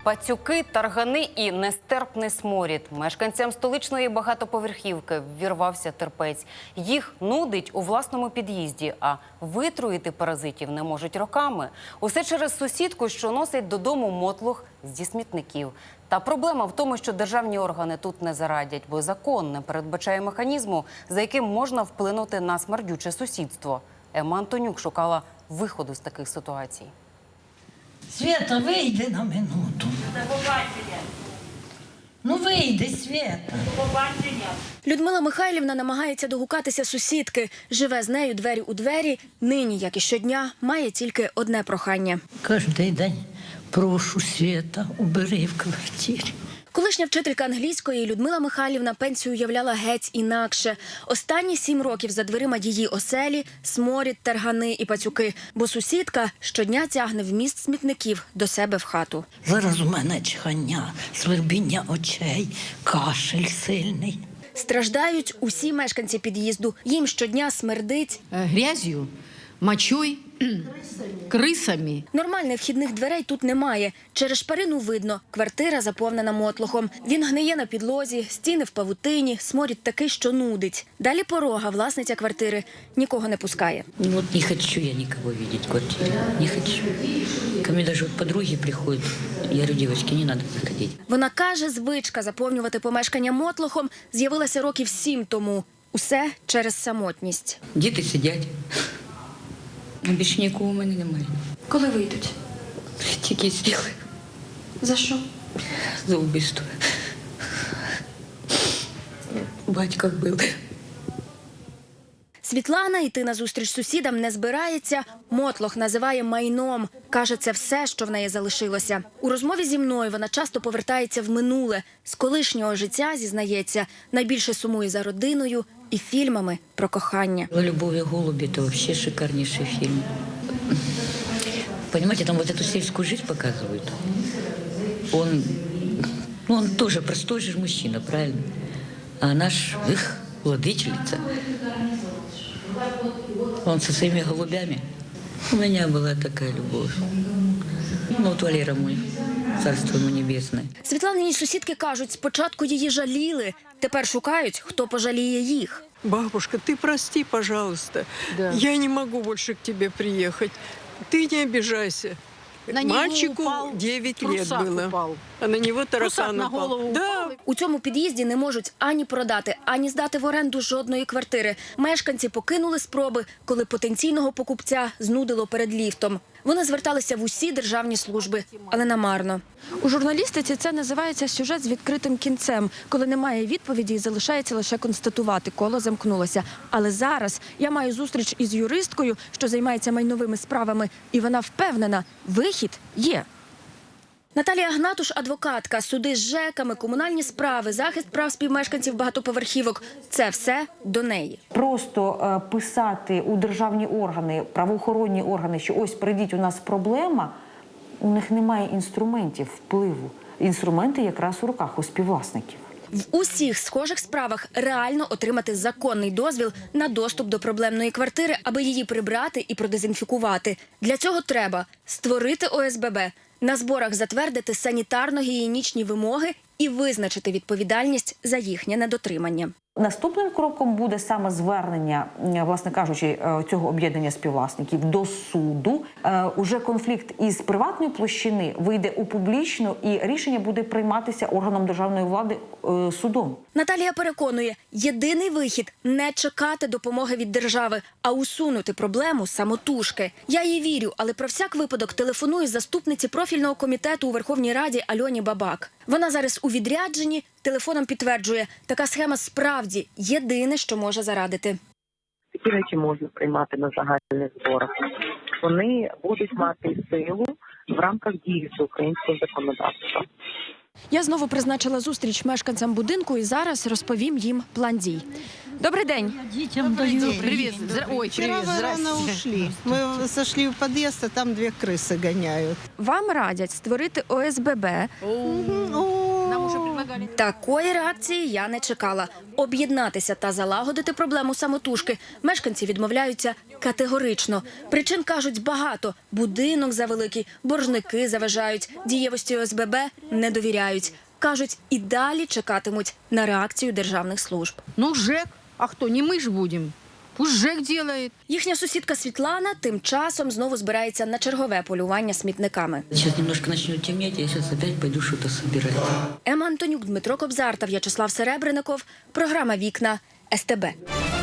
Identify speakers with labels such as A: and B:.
A: Пацюки, таргани і нестерпний сморід. Мешканцям столичної багатоповерхівки ввірвався терпець. Їх нудить у власному під'їзді, а витруїти паразитів не можуть роками. Усе через сусідку, що носить додому мотлох зі смітників. Та проблема в тому, що державні органи тут не зарадять, бо закон не передбачає механізму, за яким можна вплинути на смердюче сусідство. Ема Антонюк шукала виходу з таких ситуацій.
B: Света, вийди на минуту. Ну вийди, Света.
C: Людмила Михайлівна намагається догукатися сусідки. Живе з нею двері у двері. Нині, як і щодня, має тільки одне прохання.
B: Кожний день прошу, Света, убери в квартирі.
C: Колишня вчителька англійської Людмила Михайлівна пенсію уявляла геть інакше. Останні 7 років за дверима її оселі – сморід, таргани і пацюки. Бо сусідка щодня тягне вміст смітників до себе в хату.
B: Зараз у мене чхання, свербіння очей, кашель сильний.
C: Страждають усі мешканці під'їзду. Їм щодня смердить
D: грязью, мочой, крисами.
C: Нормальних вхідних дверей тут немає. Через шпарину видно – квартира заповнена мотлохом. Він гниє на підлозі, стіни в павутині, сморід такий, що нудить. Далі порога, власниця квартири, нікого не пускає.
E: Вот не хочу я никого видеть в квартире. Не хочу. Ко мне даже вот подруги приходят. Я говорю, девочки, не надо заходить.
C: Вона каже, звичка заповнювати помешкання мотлохом з'явилася років 7 тому. Усе через самотність.
E: Діти сидять. Більше нікого у мене немає.
C: Коли вийдуть?
E: Тільки сіли.
C: За що?
E: За вбивство. Батько вбив.
C: Світлана йти на зустріч сусідам не збирається. Мотлох називає майном. Каже, це все, що в неї залишилося. У розмові зі мною вона часто повертається в минуле. З колишнього життя, зізнається, найбільше сумує за родиною і фільмами про кохання.
E: «Любовь и голуби» – это вообще шикарнейший фильм. Понимаете, там вот эту сельскую жизнь показывают. Он тоже простой же мужчина, правильно? А она ж, владычица. Он со своими голубями. У меня была такая любовь. Ну, вот Валера мой, царство ему небесное.
C: Світланині сусідки кажуть, спочатку її жаліли, тепер шукають, хто пожаліє їх.
F: Бабушка, ты прости, пожалуйста. Да. Я не могу больше к тебе приехать. Ты не обижайся.
D: На него
F: Мальчику
D: упал,
F: 9 лет было.
D: Упал.
F: А на него таракан
D: на
F: упал.
D: голову
F: Да.
D: упал.
C: У цьому під'їзді не можуть ані продати, ані здати в оренду жодної квартири. Мешканці покинули спроби, коли потенційного покупця знудило перед ліфтом. Вони зверталися в усі державні служби, але намарно. У журналістиці це називається сюжет з відкритим кінцем. Коли немає відповіді, залишається лише констатувати, коло замкнулося. Але зараз я маю зустріч із юристкою, що займається майновими справами, і вона впевнена, вихід є. Наталія Гнатуш – адвокатка, суди з ЖЕКами, комунальні справи, захист прав співмешканців багатоповерхівок – це все до неї.
G: Просто писати у державні органи, правоохоронні органи, що ось прийдіть, у нас проблема, у них немає інструментів впливу. Інструменти якраз у руках у співвласників.
C: В усіх схожих справах реально отримати законний дозвіл на доступ до проблемної квартири, аби її прибрати і продезінфікувати. Для цього треба створити ОСББ, на зборах затвердити санітарно-гігієнічні вимоги і визначити відповідальність за їхнє недотримання.
G: Наступним кроком буде саме звернення, власне кажучи, цього об'єднання співвласників до суду. Уже конфлікт із приватної площини вийде у публічну, і рішення буде прийматися органом державної влади судом.
C: Наталія переконує, єдиний вихід – не чекати допомоги від держави, а усунути проблему самотужки. Я їй вірю, але про всяк випадок телефоную заступниці профільного комітету у Верховній Раді Альоні Бабак. Вона зараз у відрядженні, телефоном підтверджує, така схема справді єдине, що може зарадити.
H: Такі речі можна приймати на загальних зборах. Вони будуть мати силу в рамках дії українського законодавства.
C: Я знову призначила зустріч мешканцям будинку і зараз розповім їм план дій. Добрий день.
B: Дітям даю.
D: Привет. Ой,
I: Вчера
D: привет,
I: вы рано
D: здрасте.
I: ушли. Мы сошли в подъезд, а там 2 крысы гоняют.
C: Вам радять створити ОСББ, Такої реакції я не чекала. Об'єднатися та залагодити проблему самотужки мешканці відмовляються категорично. Причин, кажуть, багато. Будинок завеликий, боржники заважають, дієвості ОСББ не довіряють. Кажуть, і далі чекатимуть на реакцію державних служб.
D: Ну, ЖЭК. А кто? Не мы ж будем. Пусть ЖЭК делает.
C: Їхня сусідка Світлана тим часом знову збирається на чергове полювання смітниками.
E: Сейчас немножко начнет темнеть, я сейчас опять пойду что-то собирать.
C: Ема Антонюк, Дмитро Кобзар та В'ячеслав Серебренников. Програма «Вікна» СТБ.